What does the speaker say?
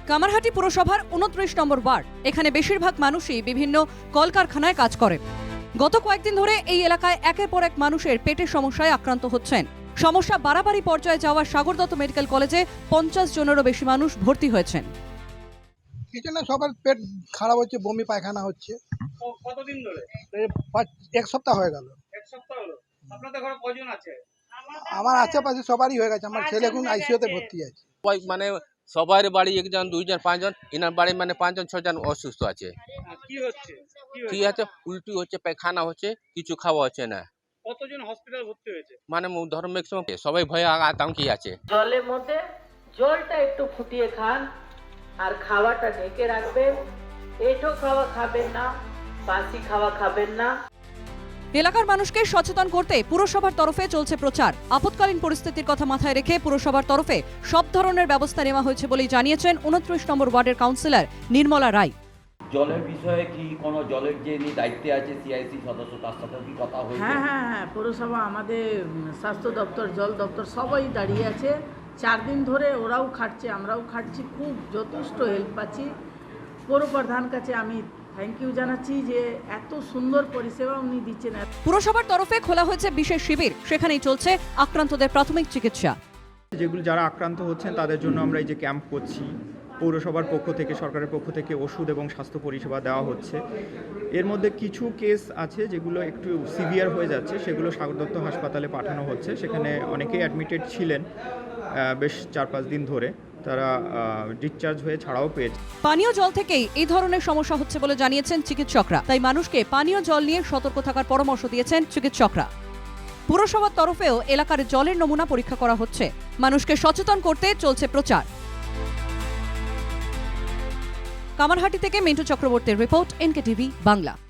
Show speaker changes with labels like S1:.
S1: কামারহাটি পুরসভার 29 নম্বর ওয়ার্ড। এখানে বেশিরভাগ মানুষই বিভিন্ন কলকারখানায় কাজ করে। গত কয়েকদিন ধরে এই এলাকায় একের পর এক মানুষের পেটের সমস্যায় আক্রান্ত হচ্ছেন। সমস্যা বাড়াবাড়ি পর্যায়ে যাওয়া সাগর দত্ত মেডিকেল কলেজে 50 জনেরও বেশি মানুষ ভর্তি হয়েছেন।
S2: কিছু না, সবার পেট খারাপ হচ্ছে, বমি পায়খানা হচ্ছে।
S3: কতদিন ধরে?
S2: এক সপ্তাহ হয়ে গেল।
S3: এক সপ্তাহ হলো। আপনাদের ঘরে কয়জন আছে?
S2: আমার আশেপাশে সবারই হয়ে গেছে। আমার ছেলে এখন আইসিইউতে ভর্তি আছে।
S4: মানে সবার বাড়ি একজন দুইজন পাঁচজন, এনার বাড়ি মানে 5 জন 6 জন অসুস্থ আছে।
S3: কি হচ্ছে?
S4: ঠিক আছে, উল্টি হচ্ছে, পায়খানা হচ্ছে, কিছু খাওয়া হচ্ছে না।
S3: কতজন হসপিটাল ভর্তি হয়েছে?
S4: মানে ধরো ম্যাক্সিমাম সবাই ভয়ে আতঙ্কে আছে।
S5: জলের মধ্যে জলটা একটু ফুটিয়ে খান আর খাওয়াটা ঢেকে রাখবেন। এঁঠো খাওয়া খাবেন না, বাসি খাওয়া খাবেন না।
S1: এলাকার মানুষকে সচেতন করতে পুরসভার তরফে চলছে প্রচার। আপৎকালীন পরিস্থিতির কথা মাথায় রেখে পুরসভার তরফে সব ধরনের ব্যবস্থা নেওয়া হয়েছে বলেই জানিয়েছেন 29 নম্বর ওয়ার্ডের কাউন্সিলর নির্মলা রায়।
S6: জলের বিষয়ে কি কোনো জলের যে দায়িত্বে আছে সিআইসি সদস্য, তার সাথে কি কথা হয়েছে?
S5: হ্যাঁ, পুরসভা আমাদের স্বাস্থ্য দপ্তর, জল দপ্তর সবাই দাঁড়িয়ে আছে। 4 দিন ধরে ওরাও খাটছে, আমরাও খাটছি, খুব যথেষ্ট হেল্প পাচ্ছি। পৌর প্রধান কাছে আমি থ্যাংক ইউ জানাচ্ছি যে এত সুন্দর পরিষেবা উনি দিচ্ছেন।
S1: পুরসভার তরফে খোলা হয়েছে বিশেষ শিবির, সেখানেই চলছে আক্রান্তদের প্রাথমিক চিকিৎসা।
S7: যেগুলো যারা আক্রান্ত হচ্ছেন তাদের জন্য আমরা এই যে ক্যাম্প করছি, পৌরসভার পক্ষ থেকে, সরকারের পক্ষ থেকে ওষুধ এবং স্বাস্থ্য পরিষেবা দেওয়া হচ্ছে। এর মধ্যে কিছু কেস আছে যেগুলো একটু সিভিয়ার হয়ে যাচ্ছে, সেগুলো সাগর দত্ত হাসপাতালে পাঠানো হচ্ছে। সেখানে অনেকেই অ্যাডমিটেড ছিলেন বেশ 4-5 দিন ধরে, তারা ডিসচার্জ হয়ে ছাড়াও পেয়েছে।
S1: পানীয় জল থেকেই এই ধরনের সমস্যা হচ্ছে বলে জানিয়েছেন চিকিৎসকরা। তাই মানুষকে পানীয় জল নিয়ে সতর্ক থাকার পরামর্শ দিয়েছেন চিকিৎসকরা। পুরসভার তরফেও এলাকার জলের নমুনা পরীক্ষা করা হচ্ছে। মানুষকে সচেতন করতে চলছে প্রচার। কামারহাটি থেকে মিন্টু চক্রবর্তীর রিপোর্ট, এনকেটিভি বাংলা।